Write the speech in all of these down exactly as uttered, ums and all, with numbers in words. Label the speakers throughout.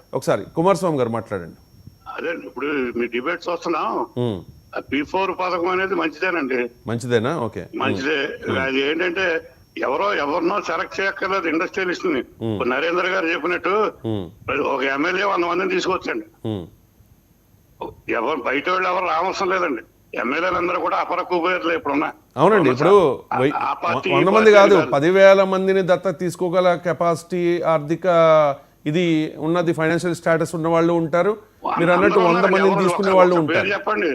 Speaker 1: ఒకసారి కుమారస్వామి గారు మాట్లాడండి.
Speaker 2: అదే ఇప్పుడు మీ డిబేట్స్ వస్తున్నాం. పీ ఫోర్ పథకం అనేది మంచిదేనండి.
Speaker 1: మంచిదేనా? ఓకే,
Speaker 2: మంచిదే. అది ఏంటంటే ఎవరో ఎవరినో సెలెక్ట్ చేయక్కర్లేదు ఇండస్ట్రియలిస్ట్ ని. నరేంద్ర గారు చెప్పినట్టు ఒక ఎమ్మెల్యే వంద మందిని తీసుకొచ్చండి. ఎవరు బయట వాళ్ళు ఎవరు రావసరం లేదండి. ఎమ్మెల్యేలందరూ కూడా అపర కుబేర్లు ఇప్పుడున్నా.
Speaker 1: అవునండి, ఇప్పుడు వంద మంది కాదు పదివేల మందిని దత్తత తీసుకోగల కెపాసిటీ, ఆర్థిక ఇది ఉన్నది, ఫైనాన్షియల్ స్టేటస్ ఉన్న వాళ్ళు ఉంటారు. మీరు అన్నట్టు వంద మందిని తీసుకునే వాళ్ళు ఉంటారు.
Speaker 2: చెప్పండి,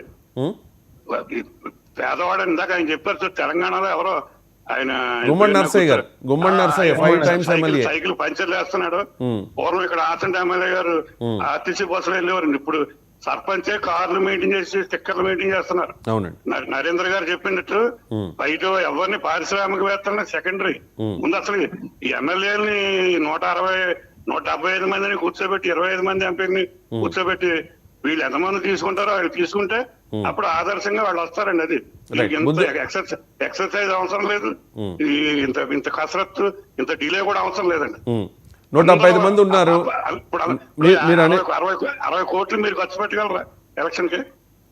Speaker 2: పేదవాడు ఇందాక ఆయన చెప్పారు తెలంగాణలో ఎవరో ఆయన
Speaker 1: గుమ్మడి నర్సయ్య గారు, Gummadi Narsaiah five times MLA,
Speaker 2: cycle పంచర్లు వేస్తున్నాడు. పూర్వం ఇక్కడ ఆసంట ఎమ్మెల్యే గారు ఆర్టీసీ బస్సులు వెళ్ళేవారండి. ఇప్పుడు సర్పంచే కార్లు మెయింటైన్ చేసి స్టిక్కర్లు మెయింటైన్ చేస్తున్నారు. నరేంద్ర గారు చెప్పినట్టు బయట ఎవరిని పారిశ్రామికవేత్తలని సెకండరీ. ముందు అసలు ఈ ఎమ్మెల్యేలని నూట అరవై నూట డెబ్బై ఐదు మందిని కూర్చోబెట్టి ఇరవై ఐదు మంది ఎంపీని కూర్చోబెట్టి వీళ్ళు ఎంతమంది తీసుకుంటారో వాళ్ళు తీసుకుంటే అప్పుడు ఆదర్శంగా వాళ్ళు వస్తారండి. అది ఎక్సర్సైజ్ ఎక్సర్సైజ్ అవసరం లేదు, ఇంత ఇంత కసరత్తు ఇంత డిలే కూడా అవసరం లేదండి.
Speaker 1: నూట డెబ్బై ఐదు మంది ఉన్నారు.
Speaker 2: ఇప్పుడు అరవై అరవై కోట్లు మీరు ఖర్చు పెట్టగలరా ఎలక్షన్ కి?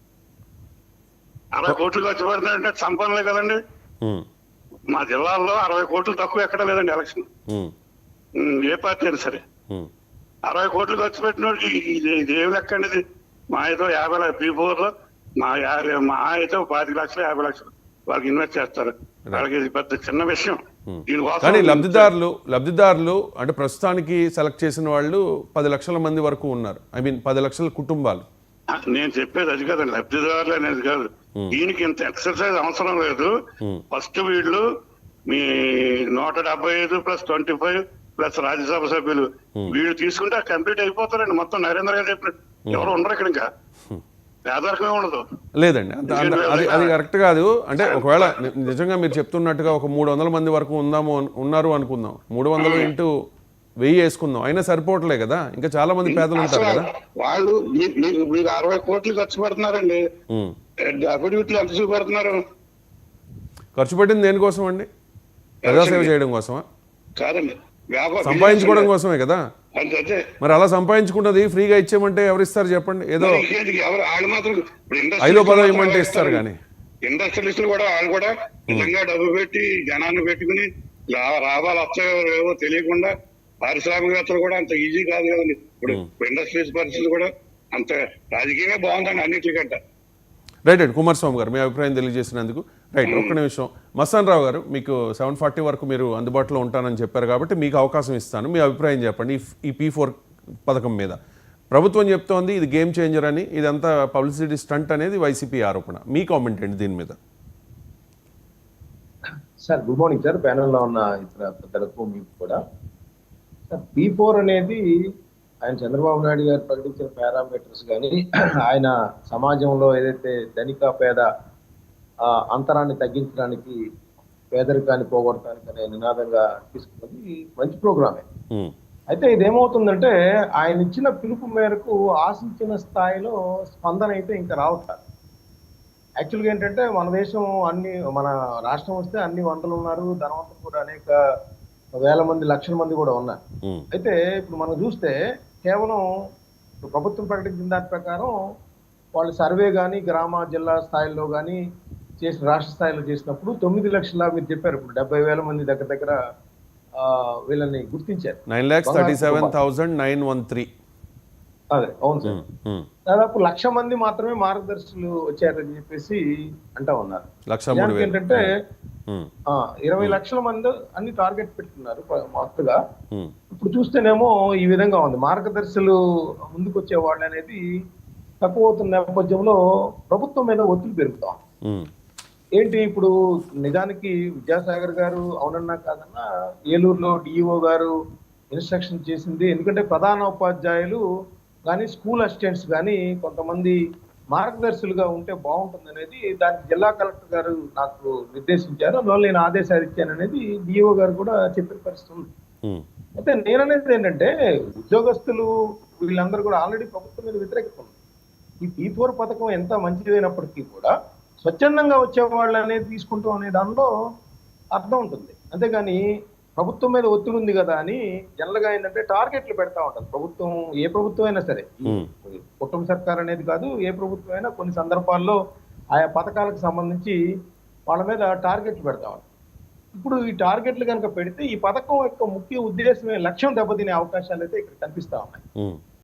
Speaker 2: అరవై కోట్లు ఖర్చు పెడతారంటే సంపన్నులే కదండి. మా జిల్లాల్లో అరవై కోట్లు తక్కువ ఎక్కడ లేదండి ఎలక్షన్, ఏ పార్టీ అయినా సరే. అరవై కోట్లు ఖర్చు పెట్టిన ఇది ఏమి లెక్క అండి? ఇది మా అయితే యాభై పీ ఫోర్ లో మా యాభై మా అయితే పాతిక లక్షలు యాభై లక్షలు వాళ్ళకి ఇన్వెస్ట్ చేస్తారు. వాళ్ళకి ఇది పెద్ద చిన్న విషయం.
Speaker 1: కానీ లబ్ధిదారులు లబ్ధిదారులు అంటే ప్రస్తుతానికి సెలెక్ట్ చేసిన వాళ్ళు పది లక్షల మంది వరకు ఉన్నారు. ఐ మీన్ పది లక్షల కుటుంబాలు.
Speaker 2: నేను చెప్పేది అది కాదండి, లబ్ధిదారులు అనేది కాదు. దీనికి ఇంత ఎక్సర్సైజ్ అవసరం లేదు. ఫస్ట్ వీళ్ళు మీ నూట డెబ్బై ఐదు plus twenty five plus Rajya Sabha సభ్యులు వీళ్ళు తీసుకుంటే కంప్లీట్ అయిపోతారండి మొత్తం. నరేంద్ర గారు చెప్పినట్టు ఎవరు ఉండరు ఇక్కడ, ఇంకా పేదరికమే ఉండదు.
Speaker 1: లేదండి, అది అది కరెక్ట్ కాదు. అంటే ఒకవేళ నిజంగా మీరు చెప్తున్నట్టుగా ఒక మూడు వందల మంది వరకు ఉందాము ఉన్నారు అనుకుందాం, మూడు వందలు ఇంటూ వెయ్యి వేసుకుందాం, అయినా సరిపోవట్లే కదా. ఇంకా చాలా మంది పేదలు ఉంటారు కదా.
Speaker 2: వాళ్ళు మీకు అరవై కోట్లు ఖర్చు పెడుతున్నారండి. అఫిడవిట్లు ఎంత చూపెడుతున్నారు?
Speaker 1: ఖర్చు పెట్టింది దేనికోసం అండి? ప్రజాసేవ చేయడం కోసమా?
Speaker 2: కాదండి,
Speaker 1: సంపాదించుకోవడం కోసమే కదా. మరి అలా సంపాదించుకున్నది ఫ్రీగా ఇచ్చేయమంటే ఎవరిస్తారు చెప్పండి? ఏదో ఐదో పదో ఇవ్వమంటే ఇస్తారు. కానీ
Speaker 2: ఇండస్ట్రియలిస్టులు కూడా వాళ్ళు కూడా నిజంగా డబ్బు పెట్టి జనాన్ని పెట్టుకుని లాభాలు వచ్చాయో లేవో తెలియకుండా పారిశ్రామికవేత్తలు కూడా అంత ఈజీ కాదు కదండి. ఇప్పుడు ఇండస్ట్రియల్స్ పరిస్థితులు కూడా అంత రాజకీయమే బాగుందండి అన్నిటికంటే.
Speaker 1: రైట్ అండి, కుమారస్వామి గారు మీ అభిప్రాయం తెలియజేసినందుకు. రైట్, ఒక్క నిమిషం. మస్తాన్ రావు గారు, మీకు సెవెన్ ఫార్టీ వరకు మీరు అందుబాటులో ఉంటానని చెప్పారు కాబట్టి మీకు అవకాశం ఇస్తాను. మీ అభిప్రాయం చెప్పండి ఈ పీ ఫోర్ పథకం మీద. ప్రభుత్వం చెప్తోంది ఇది గేమ్ చేంజర్ అని, ఇదంతా పబ్లిసిటీ స్టంట్ అనేది వైసీపీ ఆరోపణ. మీ కామెంట్ ఏంటి దీని మీద?
Speaker 3: సార్ గుడ్ మార్నింగ్ సార్, ప్యానెల్లో ఉన్న ఇతర పెద్దలకు మీకు కూడా. సార్ పీ ఫోర్ అనేది ఆయన చంద్రబాబు నాయుడు గారు ప్రకటించిన పారామీటర్స్ కానీ ఆయన సమాజంలో ఏదైతే ధనిక పేద అంతరాన్ని తగ్గించడానికి, పేదరికాన్ని పోగొట్టడానికి అనే నినాదంగా తీసుకున్నది మంచి ప్రోగ్రామే. అయితే ఇదేమవుతుందంటే ఆయన ఇచ్చిన పిలుపు మేరకు ఆశించిన స్థాయిలో స్పందన అయితే ఇంకా రావట్లేదు. యాక్చువల్గా ఏంటంటే మన దేశం అన్ని మన రాష్ట్రం వస్తే అన్ని వందలు ఉన్నారు, ధనవంతులు కూడా అనేక వేల మంది లక్షల మంది కూడా ఉన్నారు. అయితే ఇప్పుడు మనం చూస్తే కేవలం ప్రభుత్వం ప్రకటించిన దాని ప్రకారం వాళ్ళు సర్వే కానీ గ్రామ జిల్లా స్థాయిలో కానీ చేసిన రాష్ట్ర స్థాయిలో చేసినప్పుడు తొమ్మిది లక్షల మీరు చెప్పారు ఇప్పుడు డెబ్బై వేల మంది దగ్గర దగ్గర వీళ్ళని గుర్తించారు.
Speaker 1: Nine lakhs thirty seven thousand nine one three
Speaker 3: అదే అవును సార్, దాదాపు లక్ష మంది మాత్రమే మార్గదర్శులు వచ్చారని చెప్పేసి అంటా ఉన్నారు. ఏంటంటే ఇరవై లక్షల మంది అన్ని టార్గెట్ పెట్టుకున్నారు మొత్తగా. ఇప్పుడు చూస్తేనేమో ఈ విధంగా ఉంది, మార్గదర్శులు ముందుకు వచ్చే వాళ్ళు అనేది తక్కువ అవుతున్న నేపథ్యంలో ప్రభుత్వం మీద ఒత్తిడి పెరుగుతాం. ఏంటి ఇప్పుడు నిజానికి విద్యాసాగర్ గారు అవునన్నా కాదన్నా ఏలూరులో డిఈఓ గారు ఇన్స్ట్రక్షన్ చేసింది, ఎందుకంటే ప్రధాన ఉపాధ్యాయులు కానీ స్కూల్ అసిస్టెంట్స్ కానీ కొంతమంది మార్గదర్శులుగా ఉంటే బాగుంటుంది అనేది దానికి జిల్లా కలెక్టర్ గారు నాకు నిర్దేశించారు, అందువల్ల నేను ఆదేశాలు ఇచ్చాను అనేది డిఈఓ గారు కూడా చెప్పిన పరిస్థితి ఉంది. అయితే నేననేది ఏంటంటే ఉద్యోగస్తులు వీళ్ళందరూ కూడా ఆల్రెడీ ప్రభుత్వం మీద వ్యతిరేకత ఉంది. ఈ పీ ఫోర్ పథకం ఎంత మంచిదైనప్పటికీ కూడా స్వచ్ఛందంగా వచ్చే వాళ్ళు అనేది తీసుకుంటాం అనే దానిలో అర్థం ఉంటుంది. అంతేగాని ప్రభుత్వం మీద ఒత్తిడి ఉంది కదా అని జనరల్గా ఏంటంటే టార్గెట్లు పెడతా ఉంటారు ప్రభుత్వం. ఏ ప్రభుత్వం అయినా సరే,
Speaker 1: ఉమ్,
Speaker 3: కుటుంబ సర్కార్ అనేది కాదు, ఏ ప్రభుత్వం అయినా కొన్ని సందర్భాల్లో ఆయా పథకాలకు సంబంధించి వాళ్ళ మీద టార్గెట్లు పెడతా ఉంటారు. ఇప్పుడు ఈ టార్గెట్లు కనుక పెడితే ఈ పథకం యొక్క ముఖ్య ఉద్దేశమే లక్ష్యం దెబ్బతినే అవకాశాలు అయితే ఇక్కడ కనిపిస్తా ఉన్నాయి.
Speaker 1: ఉమ్.